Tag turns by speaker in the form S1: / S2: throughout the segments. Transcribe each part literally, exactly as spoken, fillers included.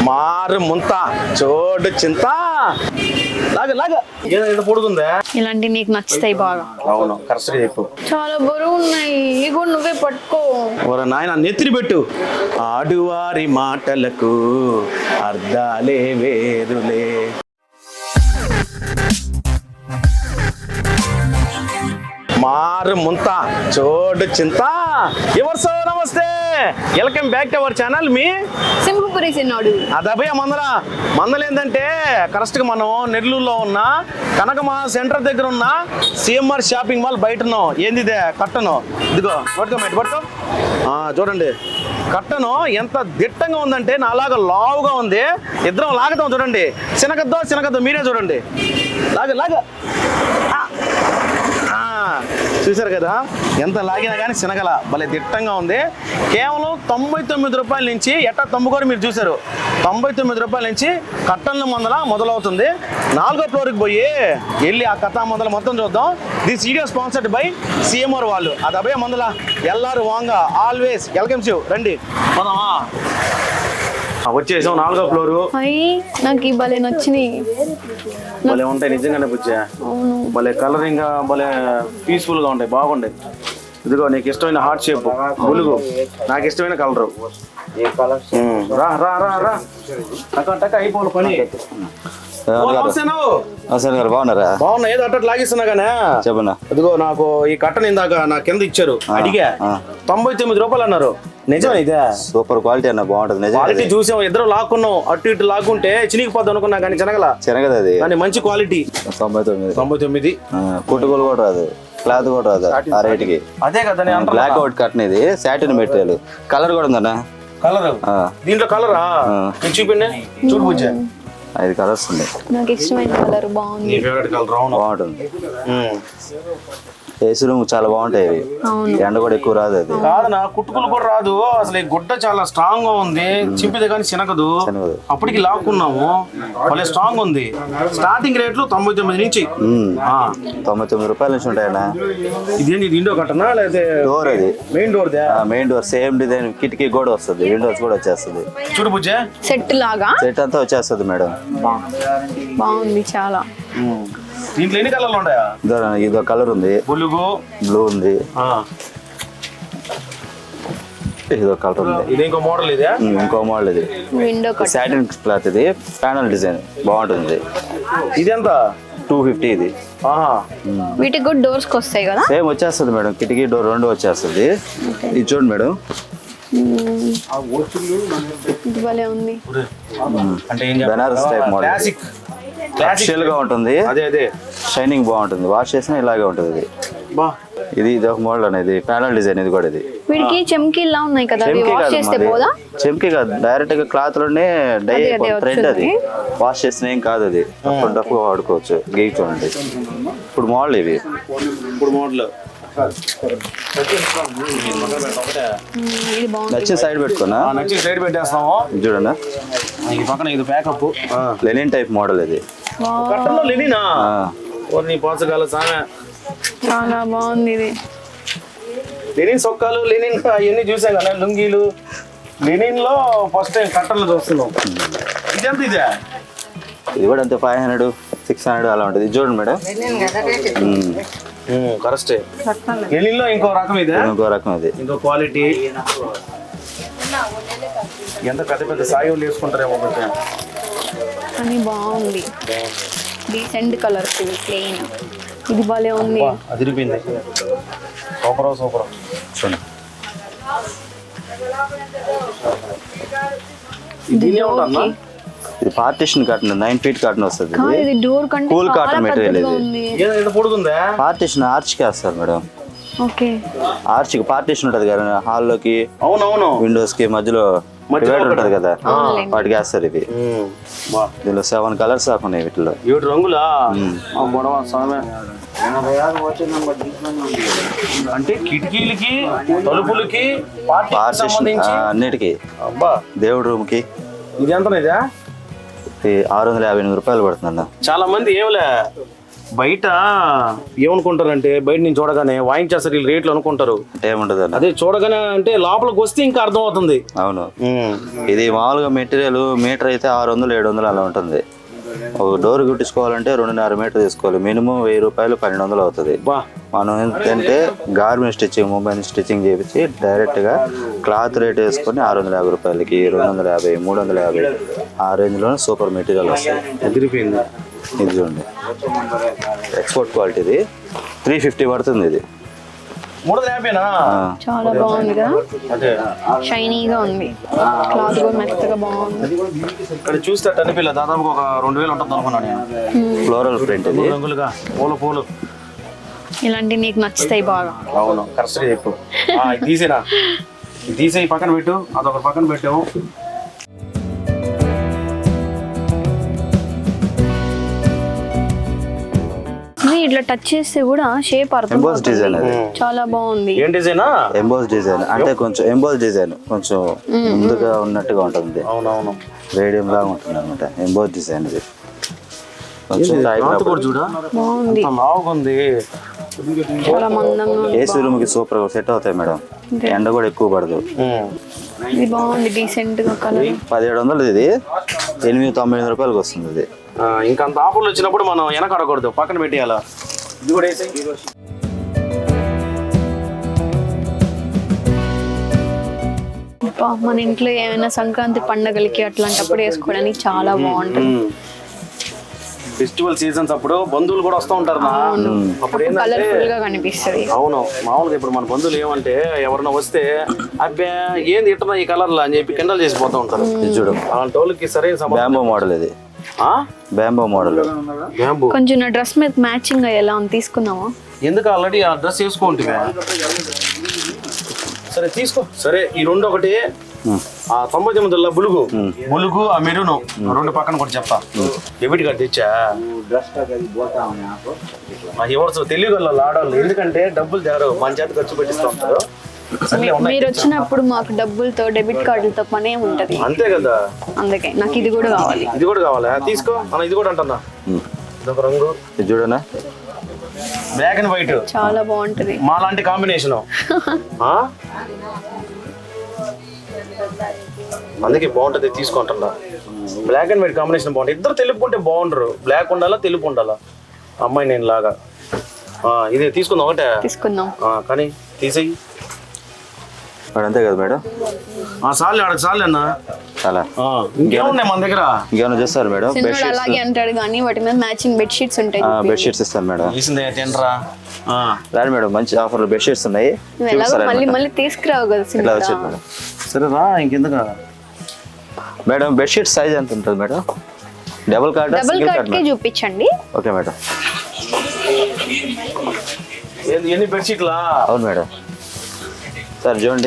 S1: మారు ముంత చోటు చింత లాగా లాగా ఏదో పొడుగుందా
S2: ఇలాంటి నీకు నచ్చుతాయి బాగా.
S1: అవును కరెక్ట్గా చెప్పు.
S2: చాలా బరువు ఉన్నాయి, ఇవి కూడా నువ్వే పట్టుకో.
S1: ఓరా నాయన నెత్తిని పెట్టు. ఆడువారి మాటలకు అర్థాలే వేరులే. మారు ముంత చోటు చింత. ఎవరు సో నమస్తే, welcome back to our channel. మీ
S2: సింహపురి సిన్నోడు
S1: అదభయ మందల మందలు ఏంటంటే కరెక్ట్గా మనం నెల్లూరులో ఉన్న కనకమా సెంటర్ దగ్గర ఉన్న సిఎంఆర్ షాపింగ్ మాల్ బయట ఉన్నాం. ఏంది ఇదే కట్టను, ఇదిగో పట్టుకో మేట పట్టుకో. చూడండి కట్టను ఎంత దిట్టంగా ఉందంటే నాలాగా లావుగా ఉంది. ఇద్దరం లాగుతాం చూడండి. చినకద్దో చినకద్దో మీరే చూడండి. లాగ లాగ చూసారు కదా, ఎంత లాగినా కానీ శనగల భలే దిట్టంగా ఉంది. కేవలం తొంభై తొమ్మిది రూపాయల నుంచి ఎట్టా తమ్ముకోరు మీరు చూసారు. తొంభై తొమ్మిది రూపాయల నుంచి కట్టన్ల మందల మొదలవుతుంది. నాలుగో ఫ్లోర్కి పోయి వెళ్ళి ఆ కథా మందల మొత్తం చూద్దాం. This video sponsored by CMR వాళ్ళు. అది అభయ మందల ఎల్ఆర్ వాంగా ఆల్వేస్ వెల్కమ్స్ యూ. రండి పోదామా. వచ్చేసాం నాలుగో ఫ్లోరు.
S2: అయ్యి నాకు ఈ భలే నచ్చినాయి.
S1: భలే ఉంటాయి నిజంగానే బుజ్జా. భలే కలరింగ్ గా భలే పీస్ఫుల్ గా ఉంటాయి, బాగుంటాయి. ఇదిగో నీకు ఇష్టమైన హార్ట్ షేప్ బులుగు, నాకు ఇష్టమైన కలరు. రా రా రా రా టక టక అయిపోవాలి పని.
S3: బాగున్నారా?
S1: బాగున్నా. ఏదో అట్ట లాగిస్తున్నా కానీ
S3: చెప్పనా.
S1: ఇదిగో నాకు ఈ కట్టను ఇందాక నా కింద ఇచ్చారు, అడిగా తొంభై తొమ్మిది రూపాయలు అన్నారు. నిజం ఇదే?
S3: సూపర్ క్వాలిటీ అన్న, బాగుంటది.
S1: క్వాలిటీ చూసాం, ఇద్దరు లాక్కున్నాం. అటు ఇటు లాక్కుంటే చినిగిపోద్ది అనుకున్నా కానీ చినగల
S3: చినగదు అది.
S1: కానీ మంచి క్వాలిటీ.
S3: తొంభై తొమ్మిది
S1: తొంభై తొమ్మిది
S3: కుట్టుకోలు కూడా రాదు, క్లాత్ కూడా రాదు ఆ రేట్ కి.
S1: అదే కదా
S3: బ్లాక్ అవుట్ కట్టన్, ఇది సాటిన్ మెటీరియల్. కలర్ కూడా ఉందన్న.
S1: కలర్ దీంట్లో కలరా చూపిండి, చూడు బుజ్జ.
S3: ఐదు కలర్స్ ఉన్నాయి.
S2: నాకు ఇష్టమైన కలర్ బాగుంది.
S3: బాగుంటుంది. ఏసీ రూమ్ చాలా బాగుంటాయి ఇవి. ఎండ కూడా ఎక్కువ రాదు. అది
S1: కాదనా, కుట్టుకులు కూడా రాదు అసలు. ఈ గుడ్డ చాలా స్ట్రాంగ్ గా ఉంది, చింపితే కానీ చినగదు. అప్పటికి లాక్కున్నాము, భలే స్ట్రాంగ్ ఉంది. స్టార్టింగ్ రేట్లు తొంభై తొమ్మిది నుంచి
S3: తొంభై తొమ్మిది రూపాయల నుంచి ఉంటాయన్నా.
S1: ఇదేంటి విండో కట్టనా లేదా
S3: డోర్? అది
S1: main door.
S3: Main door same design, కిటికీ కూడా వస్తుంది, విండోస్ కూడా వచ్చేస్తుంది.
S1: చూడు బుజ్జే,
S2: సెట్ లాగా
S3: సెట్ అంతా వచ్చేస్తుంది మేడం.
S2: బాగుంది చాలా.
S1: దీంట్లో ఎన్ని కలర్లు ఉంటాయా?
S3: ఇదో కలర్ ఉంది,
S1: బులుగు
S3: బ్లూ ఉంది, ఇదో కలర్ ఉంది.
S1: ఇది ఇంకో మోడల్. ఇదే
S3: ఇంకో మోడల్. ఇది
S2: విండో
S3: సాటిన్ క్లాత్, ఇది ప్యానల్ డిజైన్ బాగుంటుంది.
S1: ఇది ఎంత?
S3: టూ ఫిఫ్టీ ఇది.
S2: వీటికి కూడా డోర్స్ కి వస్తాయి కదా?
S3: సేమ్ వచ్చేస్తుంది మేడం, కిటికీ డోర్ రెండు వచ్చేస్తుంది. ఇది చూడండి మేడం,
S2: ఇది భలే ఉంది.
S1: అంటే
S3: Banaras type model,
S1: classic
S3: classical గా ఉంటుంది.
S1: అదే అదే
S3: షైనింగ్ బాగుంటుంది, వాష్ చేసినా ఇలాగే ఉంటుంది. ఇది ఇది ఇది ఒక మోడల్ అనేది, ప్యానల్ డిజైన్. ఇది కూడా ఇది
S2: వీడికి చెమ్కీలా ఉన్నాయి కదా, అవి వాష్ చేస్తే పోదా?
S3: చెమ్కీ కాదు, డైరెక్ట్ గా క్లాత్ లోనే డై థ్రెడ్. అది వాష్ చేసిన ఏం కాదు, అది డబ్బు వాడుకోవచ్చు. గేక్ చూడండి. ఇప్పుడు మోడల్ ఇవి.
S1: ఇప్పుడు మోడల్
S3: నచ్చిన సైడ్ పెట్టుకున్నా,
S1: నచ్చిన సైడ్ పెట్టేస్తాము.
S3: చూడండి
S1: ఈ పక్కన ఇది ప్యాకప్
S3: లెనిన్ టైప్ మోడల్. ఇది
S1: కట్టలో లెనినా? నీ పోసగాల సామె
S2: చాలా బాగుంది. ఇది
S1: లెనిన్ సొక్కాలు, లెనిన్ అవన్నీ చూసాం కదా, లుంగీలు. లెనిన్ లో ఫస్ట్ టైం కట్టలు చూస్తున్నాం. ఇది ఎంత? ఇదే
S3: ఇది కూడా అంతే, ఫైవ్ హండ్రెడ్ సిక్స్ హండ్రెడ్ అలా ఉంటుంది. ఇది చూడండి మేడం,
S1: కరెక్టే. లెనిన్ లో ఇంకో రకం. ఇదే
S3: ఇంకో రకం, ఇది
S1: ఇంకో క్వాలిటీ. ఎంత పెద్ద పెద్ద సాయిలు వేసుకుంటారేమో
S2: కానీ బాగుంది. Decent colour, plain. ఇది భలే ఉంది.
S1: అదిరిపోయింది. Super super.
S3: చూడండి ఇది partition cotton, nine feet cotton వస్తుంది.
S2: ఇది డోర్ కంటే
S3: కూల్ కాటన్ మెటీరియల్.
S1: ఇది పొడుగుందా?
S3: పార్టిషన్ ఆర్చ్ కి వేస్తారు మేడం.
S2: ఓకే,
S3: ఆర్చ్ కి పార్టిషన్ ఉంటది కదా, హాల్లోకి
S1: అవునవును
S3: విండోస్ కి మధ్యలో డివైడర్ ఉంటది కదా, వాటికి వేస్తారు. ఇది దీనిలో సెవెన్ కలర్స్ ఉన్నాయి. వీటిలో
S1: ఏడు రంగులా? అంటే కిటికీలకి, తలుపులకి,
S3: అన్నిటికి, దేవుడి రూమ్ కి.
S1: ఇది ఎంత? ఇదే
S3: ఆరు వందల యాభై ఎనిమిది రూపాయలు పడుతుంది అన్న.
S1: చాలా మంది ఏమిలే బయట ఏమనుకుంటారంటే బయట నుంచి చూడగానే వాయించేస్తారు వీళ్ళు రేట్లు అనుకుంటారు.
S3: అంటే ఏముంటది అన్న,
S1: అదే చూడగానే అంటే లోపలికి వస్తే ఇంకా అర్థం అవుతుంది.
S3: అవును. ఇది మామూలుగా మెటీరియల్ మీటర్ అయితే ఆరు వందలు ఏడు వందలు అలా ఉంటుంది. ఒక డోర్ కుట్టించుకోవాలంటే రెండున్నర మీటర్ తీసుకోవాలి. మినిమం వెయ్యి రూపాయలు పన్నెండు వందలు అవుతుంది.
S1: బా
S3: మనం ఏంటంటే గార్మెంట్ స్టిచ్చింగ్ మొబైల్ స్టిచ్చింగ్ చేపించి డైరెక్ట్గా క్లాత్ రేట్ వేసుకొని ఆరు వందల యాభై రూపాయలకి రెండు వందల యాభై మూడు వందల యాభై ఆ రేంజ్లోనే సూపర్ మెటీరియల్ వస్తాయి.
S1: ఎదిరిపోయింది.
S3: ఇది చూడండి, ఎక్స్పోర్ట్ క్వాలిటీది త్రీ ఫిఫ్టీ పడుతుంది. ఇది
S1: మూడు వందల యాభైనా?
S2: చాలా బాగుంది కదా,
S1: అదే
S2: షైనీగా ఉంది, క్లాత్ కూడా మెత్తగా బాగుంది.
S1: ఇక్కడ చూస్తే అనిపిల్ల దాదాపు ఒక రెండు వేలు ఉంటుంది అనుకున్నాను నేను.
S3: ఫ్లోరల్ ప్రింట్ ఇది,
S1: రంగులుగా పూలు పూలు
S2: ఇలాంటివి నీకు నచ్చుతాయి బాగా.
S1: అవును, కరెక్ట్గా చెప్పు. ఆ, ఇది తీసేనా, ఇది తీసేయి పక్కన పెట్టు, అదొక పక్కన పెట్టాము.
S2: ఇట్లా టచ్ చేస్తే కూడా షేప్ అర్థం
S3: ఎంబోస్ డిజైన్ అది.
S2: చాలా బాగుంది.
S1: ఏం డిజైనా?
S3: ఎంబోస్ డిజైన్ అంటే కొంచెం ఎంబోస్ డిజైన్ కొంచెం ముందుగా ఉన్నట్టుగా ఉంటుంది.
S1: అవునవును,
S3: రేడియం లాగా ఉంటుంది అనమాట ఎంబోస్ డిజైన్. ఇది కొంచెం
S1: క్లాత్ కూడా చూడ
S2: బాగుంది,
S1: ఎంత లావుగా ఉంది.
S2: చాలా మందంగా ఉంది.
S3: ఏసీ రూమ్ కి సూపర్ గా సెట్ అవుతాయి మేడం. ఎండ కూడా ఎక్కువ పడదు.
S1: ఉమ్.
S2: ఇది బాగుంది, డీసెంట్ గా కలర్.
S3: పదిహేడు వందలు ఇది, ఎనిమిది తొంభై ఎనిమిది రూపాయలకి వస్తుంది ఇది.
S1: ఆ, ఇంకా అంత ఆఫర్లు వచ్చినప్పుడు మనం వెనకడకూడదు, పక్కన పెట్టేయాలా. ఇది కూడా వేసి
S2: అబ్బా, మన ఇంట్లో ఏమైనా సంక్రాంతి పండగలకి అట్లాంటప్పుడు వేసుకోవడానికి చాలా బాగుంటుంది.
S1: ఫెస్టివల్ సీజన్స్ అప్పుడు బంధువులు కూడా వస్తూ ఉంటారు నా. అప్పుడు ఏంటంటే
S2: కలర్ఫుల్ గా కనిపిస్తుంది.
S1: అవును, మామూలుగా ఇప్పుడు మన బంధువులు ఏమంటే ఎవరైనా వస్తే అబ్బే ఏంది ఇట్టనా ఈ కలర్ అని చెప్పి కిండల్ చేసి పోతూ ఉంటారు.
S3: ఇది చూడు,
S1: అలాంటి వాళ్ళకి సరైన సమాధానం.
S3: బ్యాంబో మోడల్ ఇది, బ్యాంబో మోడల్.
S1: బ్యాంబూ
S2: కొంచెం నా డ్రెస్ మీద మ్యాచింగ్ అయ్యేలా ఉంది, తీసుకుందామా?
S1: ఎందుకు ఆల్రెడీ ఆ డ్రెస్ వేసుకోండి. సరే తీసుకో. సరే ఈ రెండు ఒకటి, ఆ తొంభై తొమ్మిదిలో బులుగు బులుగు ఆ మెరును రెండు పక్కన కూడా చెప్తా. డెబిట్ కార్డు తెచ్చా ఎవరు తెలియగల ఆడవాళ్ళు, ఎందుకంటే డబ్బులు తేరు మన చేత ఖర్చు పెట్టిస్తూ ఉంటారు.
S2: మీరు వచ్చినప్పుడు మాకు డబ్బులతో డెబిట్ కార్డులతో పనే ఉంటది.
S1: అంతే కదా,
S2: అందుకే నాకు ఇది కూడా కావాలి.
S1: ఇది కూడా కావాలా? తీసుకో అన్న, ఇది కూడా అంటున్నా. ఇదొక రంగు,
S3: ఇది చూడనా,
S1: బ్లాక్ అండ్ వైట్
S2: చాలా బాగుంటది.
S1: మా లాంటి కాంబినేషన్. అందుకే బాగుంటది, తీసుకుంటున్నా. బ్లాక్ అండ్ వైట్ కాంబినేషన్ బాగుంటుంది. ఇద్దరు తెలుపుకుంటే బాగుండరు, బ్లాక్ ఉండాలా తెలుపు ఉండాలా. అమ్మాయి నేను లాగా. ఇదే తీసుకుందాం ఒకటే
S2: తీసుకుందాం,
S1: కానీ తీసేయి.
S3: అంతే కదా మేడం.
S1: చాలు ఆడ చాలు అన్న.
S3: చాలా
S1: ఇంకేమున్నాయి మన దగ్గర?
S3: ఇంకేమైనా చేస్తారు మేడం?
S2: సినిమాలో అలాగే అంటాడు కానీ వాటి మీద మ్యాచింగ్ బెడ్ షీట్స్ ఉంటాయి.
S3: బెడ్ షీట్స్ ఇస్తాను మేడం.
S1: తీసిందే తినరా
S3: రాదు మేడం, మంచి ఆఫర్లు బెడ్ షీట్స్ ఉన్నాయి.
S2: మళ్ళీ మళ్ళీ తీసుకురావు కదా
S3: ఇట్లా
S2: సినిమా.
S3: వచ్చేది మేడం.
S1: సరే రా, ఇంకెందుకు
S3: మేడం బెడ్ షీట్ సైజ్ ఎంత ఉంటుంది madam? Double cot
S2: double
S3: single
S2: cot కి
S3: కార్డ్?
S2: చూపించండి.
S3: Okay madam.
S1: ఎన్ని బెడ్షీట్లా?
S3: అవును మేడం. సార్ చూడండి,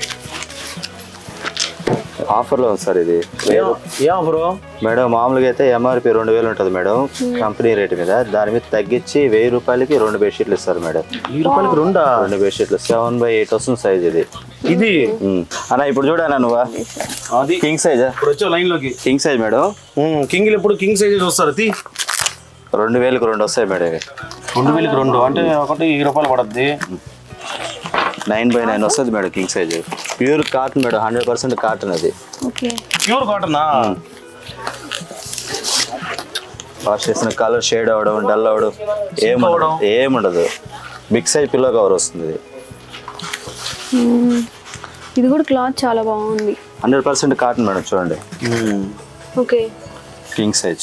S3: ఆఫర్లో ఉంది సార్ ఇది.
S1: ఏ ఆఫరు
S3: మేడం? మామూలుగా అయితే ఎంఆర్పి రెండు వేలు ఉంటుంది మేడం కంపెనీ రేట్ మీద, దాని మీద తగ్గించి వెయ్యి రూపాయలకి రెండు బెడ్షీట్లు ఇస్తారు మేడం.
S1: వెయ్యి రూపాయలకి రెండా?
S3: రెండు బెడ్షీట్లు సెవెన్ బై ఎయిట్ వస్తుంది సైజ్ ఇది.
S1: ఇది
S3: అన్న ఇప్పుడు చూడనా నువ్వు,
S1: అది
S3: కింగ్ సైజ్.
S1: ఇప్పుడు వచ్చే లైన్ లోకి
S3: కింగ్ సైజ్ మేడం.
S1: కింగ్ ఎప్పుడు కింగ్ సైజ్ వస్తారు. తీ
S3: రెండు వేలకు రెండు వస్తాయి మేడం ఇవి.
S1: రెండు వేలకి రెండు అంటే ఒకటి వెయ్యి రూపాయలు పడద్ది.
S3: నైన్ బై నైన్ వస్తుంది madam king size. Pure cotton madam, hundred percent cotton అది.
S2: ఓకే,
S1: ప్యూర్ కాటనా?
S3: వాష్ చేసిన కలర్ షేడ్ అవ్వడం డల్ అవ్వడం ఏముండదు, ఏముండదు. బిగ్ సైజ్ పిల్లో కవర్ వస్తుంది.
S2: ఇది కూడా క్లాత్ చాలా బాగుంది.
S3: హండ్రెడ్ పర్సెంట్ కాటన్ మేడం, చూడండి.
S2: Okay,
S3: king size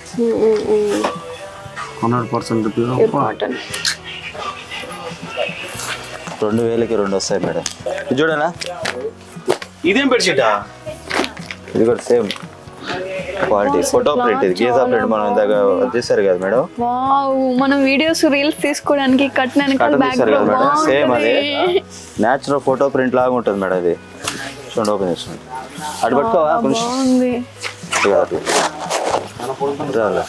S1: hundred percent
S2: cotton.
S3: రెండు వేలకి రెండు వస్తాయి మేడం. ఇది చూడనా,
S1: ఇదేం బెడ్షీటా?
S3: ఇది కూడా సేమ్ క్వాలిటీ, ఫోటో ప్రింట్. ఇది గీజా ప్రింట్ మనం ఇందాక తీసారు కదా మేడం.
S2: వావ్, మనం వీడియోస్ రీల్స్ తీసుకోవడానికి కట్టినానికి
S3: కట్టన్
S2: బ్యాక్
S3: తీసారు కదా మేడం, సేమ్ అదే న్యాచురల్ ఫోటో ప్రింట్ లాగా ఉంటుంది మేడం. ఇది చూడండి, ఓపెన్ చేస్తుంది. అటు పట్టుకోవా కొంచెం
S2: బాగుంది.
S3: అట్లా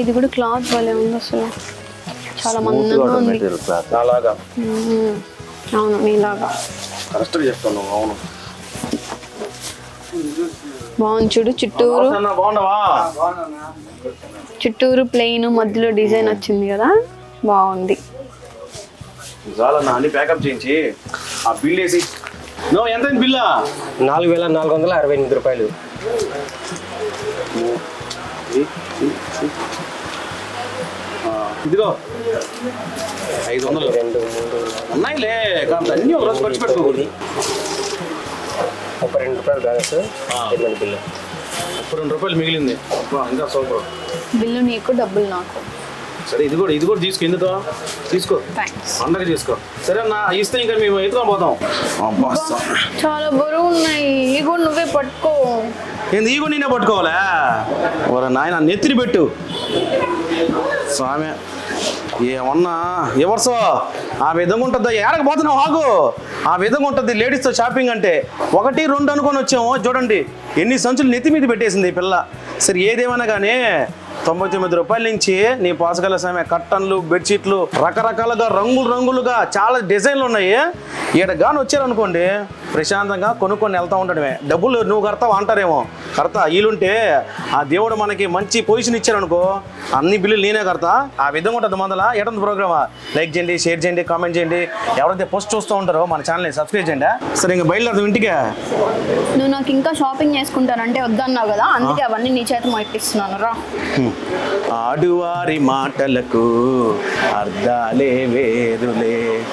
S2: ఇది కూడా క్లాత్ భలే ఉంది అసలు, చాలా మందంగా ఉంది.
S3: మెటీరియల్ క్లాత్
S1: అలాగా
S2: మ్మ్. అవును నీలాగా
S1: కరెక్ట్గా చెప్తాను. అవును
S2: బాగుంది చూడు, చుట్టూరు
S1: అన్న బాగున్నావా?
S2: చుట్టూరు ప్లెయిన్ మధ్యలో డిజైన్ వచ్చింది కదా, బాగుంది.
S1: చాలన్నా అన్ని ప్యాకప్ చేయించి ఆ బిల్ వేసి. నో ఎంత బిల్లా?
S4: నాలుగు వేల నాలుగు వందల అరవై ఎనిమిది రూపాయలు.
S1: ఇదిగో ఐదు వందలు
S4: రెండు మూడు
S1: ఉన్నాయిలే, కాబట్టి అన్ని ఒక రోజు ఖర్చు పెట్టుకోకూడదు.
S4: ముప్పై రెండు రూపాయలు బ్యాలెన్స్ పేమెంట్ బిల్లు.
S1: ముప్పై రెండు రూపాయలు మిగిలింది. అబ్బా, ఇంకా సూపర్.
S2: బిల్లు నీకు, డబ్బులు నాకు.
S1: సరే ఇది కూడా ఇది కూడా తీసుకో, ఎందుకో తీసుకో,
S2: థ్యాంక్స్.
S1: పండగ తీసుకో. సరే అన్న ఇస్తే ఇంకా మేము ఎత్తుకొని పోతాం. అబ్బా,
S2: చాలా బరువు ఉన్నాయి, ఇవి కూడా నువ్వే పట్టుకో.
S1: ఏంది ఈ కూడా నేనే పట్టుకోవాలా? ఓర నాయన నెత్తిని పెట్టు స్వామి. ఏమన్నా ఎవర్సో ఆ విధంగా ఉంటుంది. ఏడకు పోతున్నావు ఆగు. ఆ విధంగా ఉంటుంది లేడీస్తో షాపింగ్ అంటే. ఒకటి రెండు అనుకొని వచ్చాము, చూడండి ఎన్ని సంచులు నెత్తి మీద పెట్టేసింది ఈ పిల్ల. సరే ఏదేమైనా కానీ తొంభై తొమ్మిది రూపాయల నుంచి నీ పాసగల సమయ కట్టన్లు, బెడ్షీట్లు రకరకాలుగా రంగులు రంగులుగా చాలా డిజైన్లు ఉన్నాయి. ఈడ గాని వచ్చారనుకోండి ప్రశాంతంగా కొనుక్కొని వెళ్తూ ఉండడమే. డబ్బులు నువ్వు కడతావు అంటారేమో, కడతా. వీలుంటే ఆ దేవుడు మనకి మంచి పొజిషన్ ఇచ్చారనుకో అన్ని బిల్లులు నేనే కడతా. ఆ విధంగా ఉంటుంది మందల ఎటువంటి ప్రోగ్రామా. లైక్ చేయండి, షేర్ చేయండి, కామెంట్ చేయండి. ఎవరైతే పోస్ట్ చూస్తూ ఉంటారో మన ఛానల్ని సబ్స్క్రైబ్ చేయండి. సరే ఇంకా బయలుదేరదాం ఇంటికే.
S2: నువ్వు నాకు ఇంకా షాపింగ్ చేసుకుంటానంటే వద్దన్నావు కదా, అందుకే అవన్నీ నీ చేత మాటిస్తున్నాను రా.
S1: ఆడువారి మాటలకు అర్థాలే వేరులే.